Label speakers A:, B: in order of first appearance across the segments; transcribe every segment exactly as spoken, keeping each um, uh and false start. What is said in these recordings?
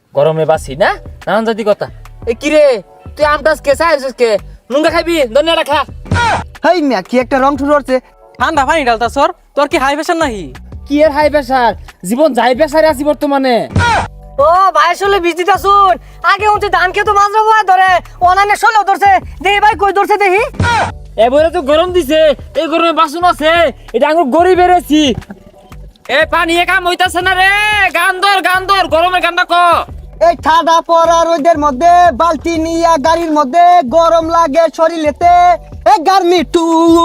A: গরমে বাসি না নানান জাতি কথা। এ কি রে তুই আমটাস কে চাইছিস কে নুঙ্গা খাবি ধনিয়াটা খা।
B: হেই মিয়া কি একটা রং ঠুর হচ্ছে।
C: ঠান্ডা পানি ডালতা সর, তোর কি হাই প্রেশার নাহি?
A: কি এর হাই প্রেসার, জীবন যাই প্রেসারে আছি বর্তমানে।
D: ও ভাই আসলে বিজিটা শুন, আগে উঠে ধান খেতো মাজরা বয় ধরে অনানে ষোলো ধরছে, দেখি ভাই কই ধরছে দেখি।
A: এবারে তো গরম দিছে, এই গরমে বাসন আছে, এটা আমি গড়ি বেড়েছি। এ পানি এ কাম হইতাছে না রে, গান ধর গান ধর গরমের গানটা ক।
B: এই ঠাডা পড়া রোদের মধ্যে বালতি নিয়া গাড়ির মধ্যে গরম লাগে শরীরেতে। এ গার্মি টু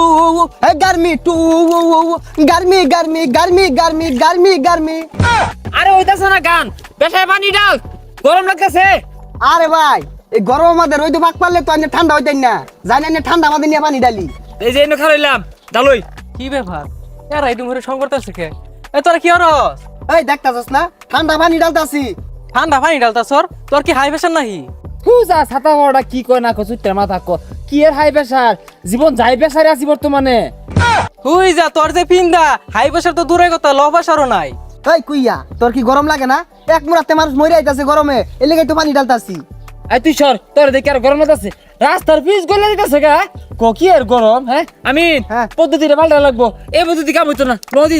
B: এ গার্মি টু গার্মি গার্মি গার্মি গার্মি গার্মি গার্মি।
A: আরে হইতাছে না গান, পেশায় পানি ডাল, গরম লাগতেছে।
B: আরে ভাই এই গরম আমাদের রোদ পাক পারলে তো আমি ঠান্ডা হইতেন না, জানি না ঠান্ডা আমাদের নিয়ে পানি ডালি।
A: এই যে এনে খাইলাম ডালই।
C: কি ব্যাপার এরা এই দুমরে সংকট আছে কে? এ তোরা কি হরস?
B: এই দেখতাছস না ঠান্ডা পানি ডালতাছি।
C: ঠান্ডা পানি ডালতা সর, তোর কি হাই প্রেশার নাহি?
A: পূজা ছাতা বড়টা কি কয় না কয় চুত্তের মাথা ক। কি এর হাই প্রেসার, জীবন যাই প্রেসারে আছি বর্তমানে।
C: হুই যা, তোর যে পিন্দা হাই প্রেশার তো দূরের কথা, লো প্রেশারও নাই।
B: এই কুইয়া তোর কি গরম লাগে না? এক মুরাতে মানুষ মরে আইতাছে গরমে, এর লেগে তো পানি ডালতাছি।
A: এই তুই সর, তোর দেখি আর গরম লাগতেছে, রাস্তার পিচ গলে দিতেছে গা। ক কি এর গরম? হ্যাঁ আমি
B: হ্যাঁ।
A: পদ্ধতিটা পাল্টা লাগবো, এই পদ্ধতি কাম হইতো না নদী।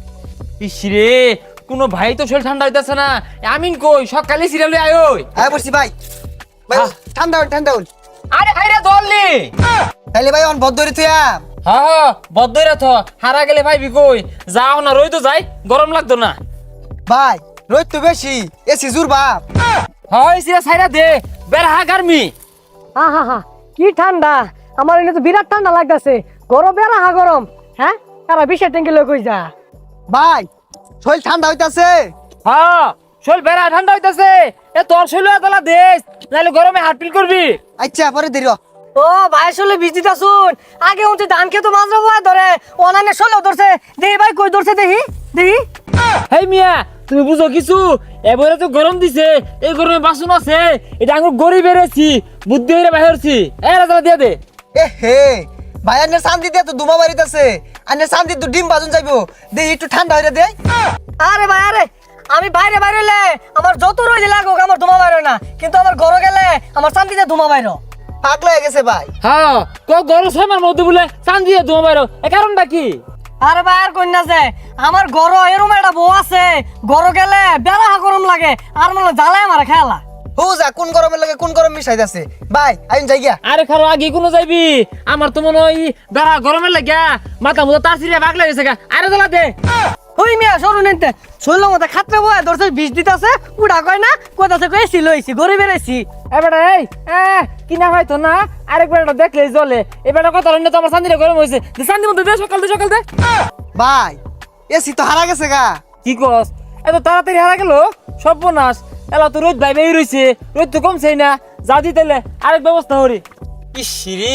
A: ইসরে কোনো ভাই তো শরীর ঠান্ডা হইতাছে না। আমিন কই সকালে সিরিয়ালে আয় ওই।
B: হ্যাঁ বলছি ভাই ভাই
A: হ্যাঁ।
B: ঠান্ডা হল ঠান্ডা হল।
A: আরে ভাই রে দললি।
B: তাইলে ভাই অন বদ্ধরি তুই
A: হ্যাঁ হ্যাঁ বদ্ধইরা থ, হারা গেলে ভাই বিকই যাও না, রই তো যাই, গরম লাগতো না।
B: ভাই রোদ তো বেশি, এসি জুর বাপ।
A: হয় সিরা সাইরা দে, বের হা গার্মি।
D: হা হা হা কি ঠান্ডা, আমার এনে তো বিরাট ঠান্ডা লাগতাছে। গরম বেড়া হা গরম, হ্যাঁ তারা বিশের ট্যাঙ্কি লই কই যা।
B: ভাই শরীর ঠান্ডা হইতাছে।
A: হ্যাঁ শরীর বেড়া ঠান্ডা হইতাছে, এ তোর শরীর এতলা দেশ, নাহলে গরমে হার্টবিট করবি।
B: আচ্ছা পরে দেরি হ।
D: ও ভাই আসলে বিজিটা শুন, আগে উঠে ধান খেতো মাজরা বয় ধরে অনানে ষোলো ধরছে, দেখি ভাই কই ধরছে দেখি দেখি।
A: হেই মিয়া তুমি বুঝো কিছু, এবারে তো গরম দিছে, এই গরমে বাসন আছে, এটা আমি গড়ি বেড়েছি, বুদ্ধি হইরে বাহিরছি। এ রাজা দিয়ে দে।
B: এ হে ভাই আনে শান্তি দিয়ে তো দুমা বাড়িতেছে, আনে শান্তি তো ডিম বাজন যাইবো, দে একটু ঠান্ডা হইরে দে।
D: আরে ভাই আরে আমি বাইরে বাইরে হলে আমার যত রোজ লাগুক আমার ধুমা বাইরে না, কিন্তু আমার ঘরে গেলে আমার শান্তিতে ধুমা বাইরো।
B: পাগলা হয়ে গেছে ভাই।
A: হ্যাঁ ক গরম ছয়মার মধ্যে বলে চান দিয়ে ধোয়া বাইরো, এ কারণটা কি?
D: আরে ভাই আর কন্যা যে আমার ঘর এরম একটা বউ আছে, ঘর গেলে বেড়া গরম লাগে আর মনে জ্বালায় আমার খেলা।
B: হু যা কোন গরমের লাগে কোন গরম মিশাইতাছে। ভাই আইন যাই গিয়া।
A: আরে খারো আগে কোনো যাইবি, আমার তো মনে হয় বেড়া গরমের লাগিয়া মাথা মুথা তার সিরিয়া বাগলা গেছে গা। আরে জ্বালা দে।
D: ওই মিয়া সরু নিতে শৈল মতো খাতরে বয় ধরছে বিষ দিতেছে, উড়া কয় না কোথাছে কয়েছি লইছি গড়ে বেড়েছি।
A: এবারে এই এ কিনা হয়তো না, আরেকবার এটা দেখলেই জ্বলে। এবারে কথা হলো তো আমার শান্তিটা গরম হয়েছে, শান্তি মধ্যে দে, সকাল দে সকাল দে।
B: ভাই এসি তো হারা গেছে গা।
A: কি কস এত তাড়াতাড়ি হারা গেল? সর্বনাশ, এলা তো রোদ ভাই বেই রইছে, রোদ তো কমছেই না, যা দিতেলে আরেক ব্যবস্থা করি। ইসরে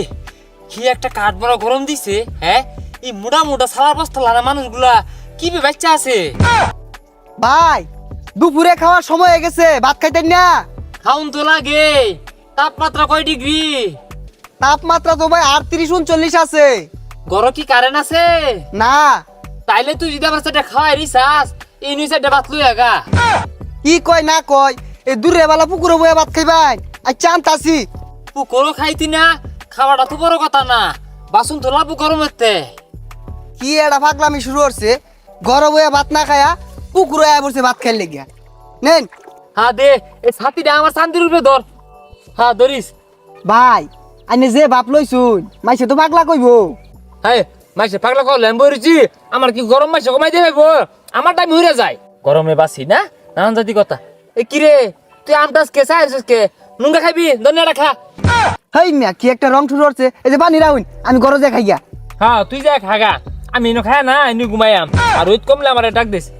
A: কি একটা কাঠ বড় গরম দিছে। হ্যাঁ এই মোটা মোটা সালার বস্তা লানা মানুষগুলা কি বে বাচ্চা আছে।
B: ভাই দুপুরে খাওয়ার সময় হয়ে গেছে, ভাত খাইতেন না?
A: খাউন তো লাগে। তাপমাত্রা কয় ডিগ্রি?
B: তাপমাত্রা তো ভাই আটত্রিশ উনচল্লিশ আছে।
A: ঘর কি কারেন্ট আছে?
B: না।
A: তাইলে তুই যদি আমার সাথে খাওয়াই রিসাস এই নিয়ে সাইডে ভাত লই আগা।
B: কি কয় না কয়, এই দূরে বেলা পুকুরে বয়ে ভাত খাইবাই। আচ্ছা আনতাছি।
A: পুকুরও খাইতি না, খাওয়াটা তো বড় কথা না, বাসন তো লাভ গরম হতে।
B: কি এটা পাগলামি শুরু করছে, ঘরে বয়ে ভাত না খায়া পুকুরে আয়া বসে ভাত খাইলে গিয়া। নেন
A: হ্যাঁ দে, এই ছাতিটা আমার শান্তির উপরে ধর। হ্যাঁ ধরিস।
B: ভাই আইনে যে বাপ লইছুন মাইসে তো পাগলা কইব।
A: হ্যাঁ মাইসে পাগলা কল ল্যাম্বো রুচি, আমার কি গরম মাইসে কমাই দিয়ে ভাইব? আমার টাইম হইরে যায়, গরমে বাসি না নানান জাতি কথা। এ কি রে তুই আমটাস কে চাইছিস কে নুঙ্গা খাবি ধনিয়াটা খা।
B: হেই মিয়া কি একটা রং শুরু করছে, এই যে পানি রাউন আমি ঘরে যে খাইয়া।
A: হ্যাঁ তুই যা খাগা, আমি এনে খায় না এনে ঘুমাইয়াম, আর রোদ কমলে আমার ডাক দিস।